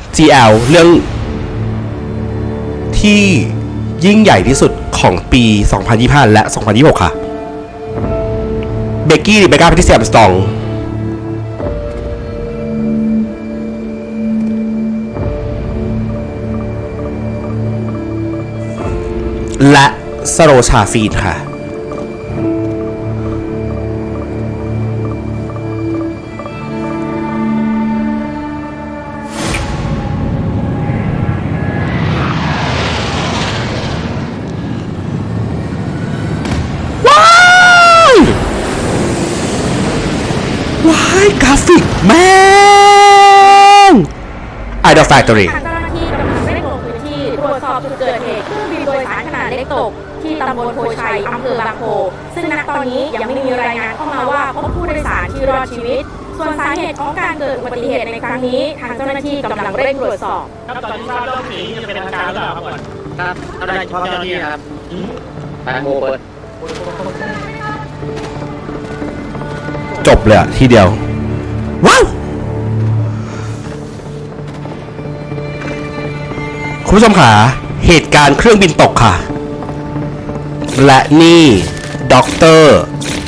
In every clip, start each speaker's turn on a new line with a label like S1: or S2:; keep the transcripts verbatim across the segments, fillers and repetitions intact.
S1: จี แอล เรื่องที่ยิ่งใหญ่ที่สุดของปี สองพันยี่สิบห้า และ สองพันยี่สิบหก ค่ะเบกกี้หรือเบกก้าแพทริเซีย อาร์มสตรองและสโรชาฟีนค่ะว้ายกราฟิกแม่ง Idol Factory
S2: เจ้าหน้าที่กำลังเร่งลงพื้นที่ตรวจสอบจุดเกิดเหตุเครื่องบินโดยสารขนาดเล็กตกที่ตำบลโพชัยอำเภอบางโพซึ่งณตอนนี้ยังไม่มีรายงานเข้ามาว่าพบผู้โดยสารที่รอดชีวิตส่วนสาเหตุของการเกิดอุบัติเหตุในครั้งนี้ทางเจ้าหน้าที่กำลังเร่งตรวจสอบ
S3: ครับตอนนี้ทราบว่าสีจะเป็นทางการหรือเปล่าครับก่อนครับทำได้เฉพาะเจ้าหน้าที่ครับแตงโมเปิด
S1: จบเลยอะทีเดียวว้าวคุณผู้ชมค่ะเหตุการณ์เครื่องบินตกค่ะและนี่ด็อกเตอร์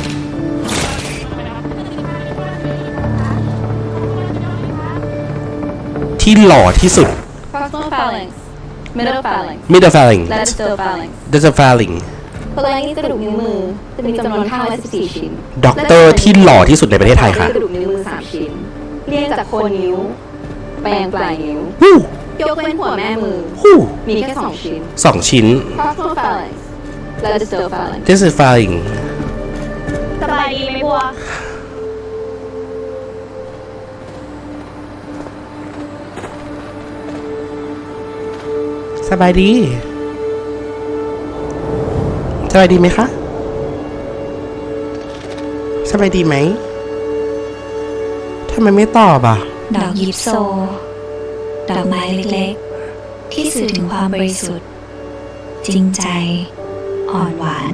S1: ที่หล่อที่สุด
S4: Proximal phalanx Middle phalanx
S1: Middle phalanx
S4: Distal phalanx
S1: Distal phalanx
S4: ตัวแรกนี่กระดูกนิ้วมือจะมีจำนวนห้าร้อยสิบสี่ชิ้น
S1: ด็อกเตอร์ที่หล่อที่สุดในประเทศไทยค่ะ
S4: กระดูกนิ้วมือสามชิ้นเรียงจากโคนนิ้วแปลงปลายนิ้ว
S1: ฮู้
S4: ยกเว้นหัวแม่มือ
S1: ฮู้
S4: มีแค่สองชิ้น
S1: สองชิ้น
S4: Proximal phalanx และ Distal phalanx
S1: Distal phalanx
S2: สบายดีไหมบัว
S1: สบายดีสบายดีไหมคะสบายดีไหมทำไมไม่ตอบอ่ะ
S5: ดอกยิปโซดอกไม้เล็กๆที่สื่อถึงความบริสุทธิ์จริงใจอ่อนหวาน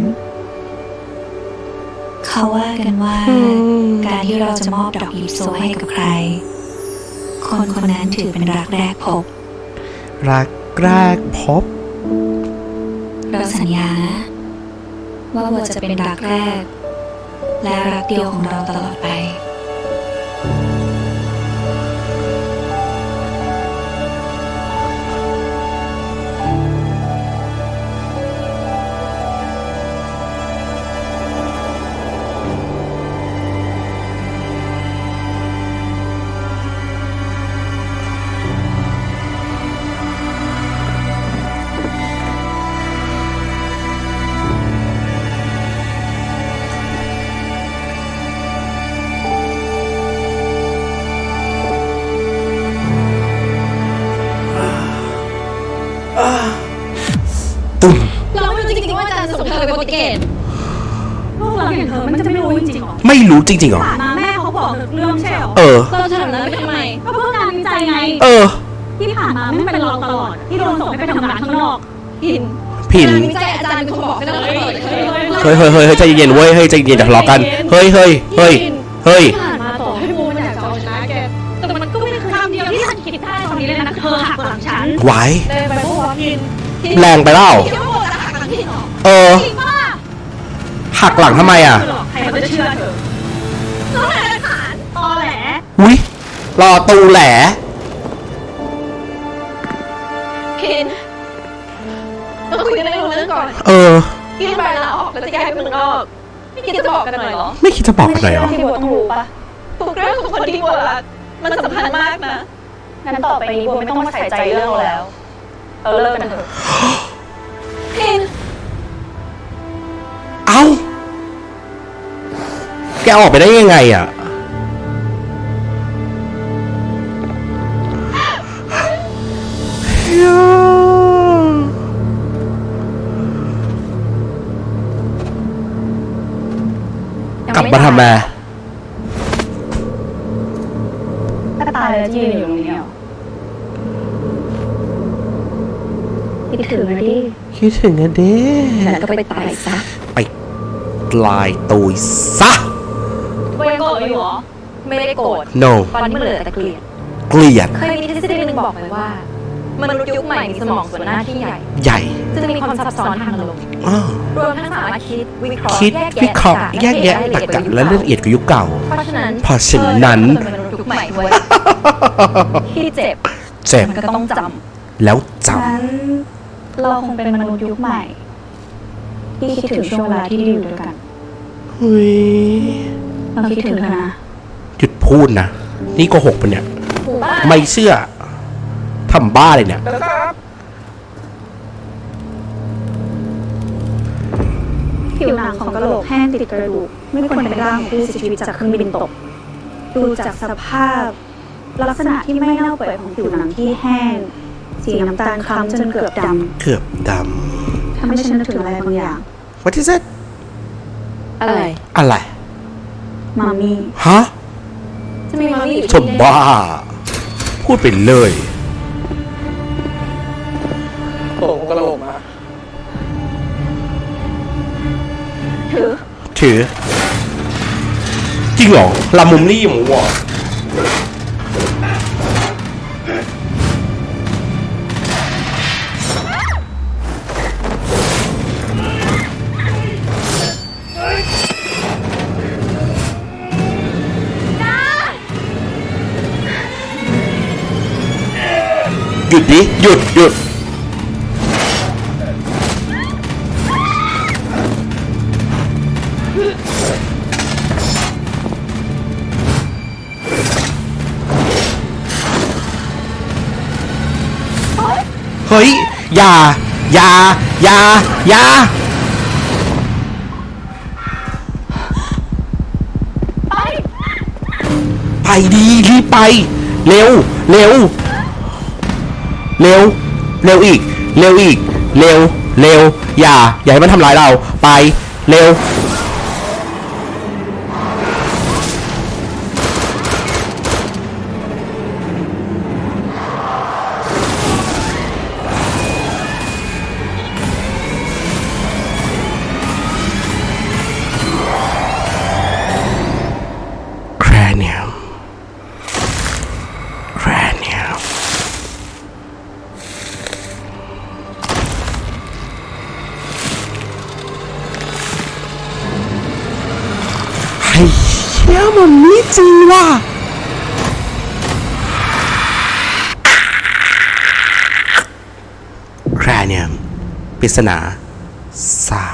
S5: เขาว่ากันว่าการที่เราจะมอบดอกยิปโซให้กับใครคนคนนั้นถือเป็นรักแรกพบ
S1: รักแรกพบ
S5: เราสัญญานะว่าบัวจะเป็นรักแรกและรักเดียวของเราตลอดไป
S1: ตุ้ม
S4: เราไม่รู้จริงๆว่าอาจารย์ส่งเธอไปโปรตุเกส
S2: ลูกเราอย่างเธอมันจะไม่รู้จริงๆหรอ
S1: ไม่รู้จริงๆหรอ
S2: ผ่านมาแม่เขาบอกเรื่องใช่หรอ
S1: เออ
S4: เราจะทำนั้นไปทำไม
S2: ก็เพื่อการวิจัยไง
S1: เออ
S2: ที่ผ่านมาไม่เป็นรองตลอดที่โดนส่งให้ไปทำงานข้างนอก
S4: พิน
S1: พิน
S4: วิจัยอาจารย์เป็นคนบอกให้เราเปิด
S1: เฮ้ยเฮ้ยเฮ้ยใจเย็นเว้ยเฮ้ยใจเย็นอย่าทะเลาะกันเฮ้ยเฮ้ยเฮ้ยเฮ้ย
S4: ผ่านมาต่อให้บูมันอยากจะเอาชนะแกแต่มันก็ไม่ได้คือคำเดียวที่ฉันคิดได้ตอนนี้เลยนะเธอหักหลังฉัน
S1: ไหว
S4: เลยไปพวกพิน
S1: แรงไปเปล่าเออหักหลังทำไมอ่ะ
S2: ใครเขาจะเชื่อเธอ
S4: เราหาหลักฐาน
S2: ตอแหล
S1: อุ้ยรอตูแหล
S4: พินเราคุยกันเรื่องเรื่องก่อน
S1: เออ
S4: ยื่นใบลาออกแล้วจะย้ายไปเมืองนอกไม่คิดจะบอกกันหน่อยเหรอ
S1: ไม่คิดจะบอกกันหน่อยเหรอ
S4: ที่บัวต้องรู้ปะถูกเรื่องของคนที่บัวรักมันสำคัญมากนะ
S2: งั้นต่อไปนี้บัวไม่ต้องมาใส่ใจเรื่องเราแล้วเราเลิกกันเถอะ
S4: พิน
S1: เอ้าแกออกไปได้ยังไงอ่ะกลับมาทำไม
S2: ถ้าตายแล้วยืนอยู่ตรงนี้เหรอคิดถึงนะดิ
S1: คิดถึงนะดิ
S4: แล้วก็ไปตายซะ
S1: ไปลายตุยซะ
S4: ไม่โกรธอยู่หรอไม่ได้โกรธ
S1: no
S4: ตอนนี้มันเหลือแต่เกลียด
S1: เกลียด
S4: เคยมีทฤษฎีหนึ่ง
S6: บอกไปว่ามนุษย์ยุคใหม่มีสมองส่วนหน้าที่ใหญ่
S1: ใหญ่
S6: จึงมีความซับซ้อนทางอารมณ์
S1: อ้อ
S6: รวมทั้งสามารถคิดวิเคราะห์
S1: คิด
S6: แยก
S1: วิ
S6: แยะ
S1: เคราะห์แยกแยะ
S6: สาร
S1: ตรรกะและละเอียดกว่ายุคเก่า
S6: เพราะฉะนั้น
S1: เพราะฉะนั้น
S6: เธอเป็นมนุษย์ยุคใหม่เว้ยที่เจ็บ
S1: เจ็บ
S6: มันก็ต้องจ
S1: แล้วจ
S4: งั้นเราคงเป็นมนุษย์ยุคใหม่ ที่คิดถึงช่วงเวลาที่ได้อยู่ด้วยกัน
S1: ำเฮ้ย
S4: เราคิดถึงเธอนะ
S1: หยุดพูดนะ นี่โกหกปะเนี่ย
S6: ำหมู่บ้าน
S1: ไม่เชื่อทำบ้าเลยเนี่ย
S4: ผิวหนังของกระโหลกแห้งติดกระดูกไม่ควรเป็นร่างของผู้เสียชีวิตจากเครื่องบินตก ดูจากสภาพ ลักษณะที่ไม่เน่าเปื่อยของผิวหนังที่แห้ง สีน้ำตาลคล้ำจนเกือบด
S1: เกือบด
S4: ำทำให้ฉันนึกถึงอะไรบางอย่าง
S1: ำ What is it
S6: อะไร
S1: อะไร
S4: มามี่
S1: ฮะ
S6: จะมีมามี่อยู่
S1: ชมบ้า พูดไปเลย
S3: โอ้กระโหลกมา
S6: ถือ
S1: ถือ จริงเหรอลามุมนี่หมูอ่ะหยุดดิ หยุด หยุด เฮ้ย อย่า อย่า อย่า อย่า ไปดี รีบไป เร็ว เร็ว เร็ว เร็วอีก เร็วอีก เร็ว เร็ว อย่า อย่าให้มันทำร้ายเรา ไป เร็ว Cranium Cranium ไอ้เชี่ยมันนี่จริงว่ะ Cranium ปริศนาสา